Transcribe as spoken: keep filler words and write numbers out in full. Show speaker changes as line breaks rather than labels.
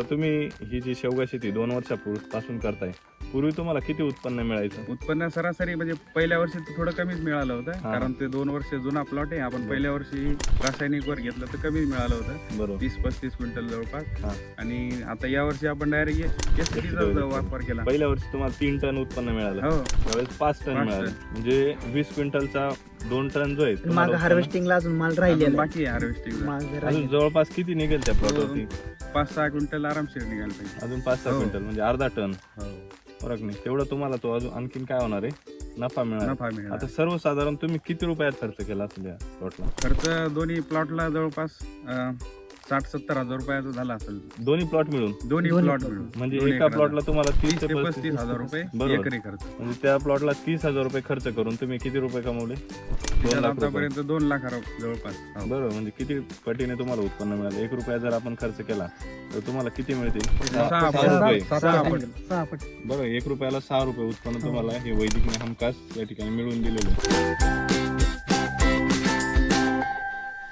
तुम्ही ही जी शेवगा शेती दोन वर्षापासून करताय, पूर्वी तुम्हाला किती उत्पन्न मिळायचं?
उत्पन्न सरासरी म्हणजे पहिल्या वर्षी तर थोडं कमीच मिळालं होतं,
हा.
कारण ते दोन वर्ष जुना प्लॉट आहे. आपण पहिल्या वर्षी रासायनिक वर घेतलं तर कमीच मिळालं होतं,
बरोबर.
तीस पस्तीस क्विंटल जवळपास.
हा.
आणि आता या वर्षी आपण डायरेक्ट एसटीचा वापर केला.
पहिल्या वर्षी तुम्हाला तीन टन उत्पन्न मिळालं,
हो,
त्यावेळेस पाच टन
पाच
मिळालं, म्हणजे वीस क्विंटलचा दोन टन जो आहे
माग
तुम्हाला उत्पन्न-
हार्वेस्टिंगला अजून माल
अजून
राहिलेला आहे.
बाकी आहे हार्वेस्टिंग.
माल
अजून
राहिलेला.
जवळपास किती निघेल त्या प्लॉटवरती?
पाच सहा क्विंटल आरामशीर निघाल पाहिजे.
अजून पाच सहा
हो.
क्विंटल म्हणजे अर्धा टन
हो,
फरक नाही. तेवढं तुम्हाला तो अजून आणखीन काय होणार आहे, नफा मिळणार.
नफा मिळाला.
आता सर्वसाधारण तुम्ही किती रुपयात खर्च केला असेल या प्लॉटला?
खर्च दोन्ही प्लॉटला जवळपास अं, साठ सत्तर हजार रुपयाचा झाला असेल,
दोन्ही प्लॉट मिळून?
दोन्ही
दोन्ही
प्लॉट
plot.
मिळून.
म्हणजे
दोन्ही
एका
एकराला.
प्लॉटला तुम्हाला तीस
तीस
ते
ते
पस्तीस
पस्तीस हजार रुपये
बरोबर.
एकरी खर्च.
म्हणजे त्या प्लॉटला तीस हजार रुपये खर्च करून तुम्ही किती रुपये कमवले? दोन
त्याच्यात
लाख रुपये.
आतापर्यंत दोन लाख जवळपास. हो.
बरोबर. म्हणजे किती पटीने तुम्हाला उत्पन्न मिळालं? एक रुपया जर आपण खर्च केला तर तुम्हाला किती मिळतील?
सहा
सहा
पट.
रुपये.
सहा
सहा
पट.
पट. सहा पट.
बरोबर. एक रुपयाला सहा रुपये उत्पन्न तुम्हाला हे वैदिकने हमखास या ठिकाणी मिळवून दिलेलं आहे.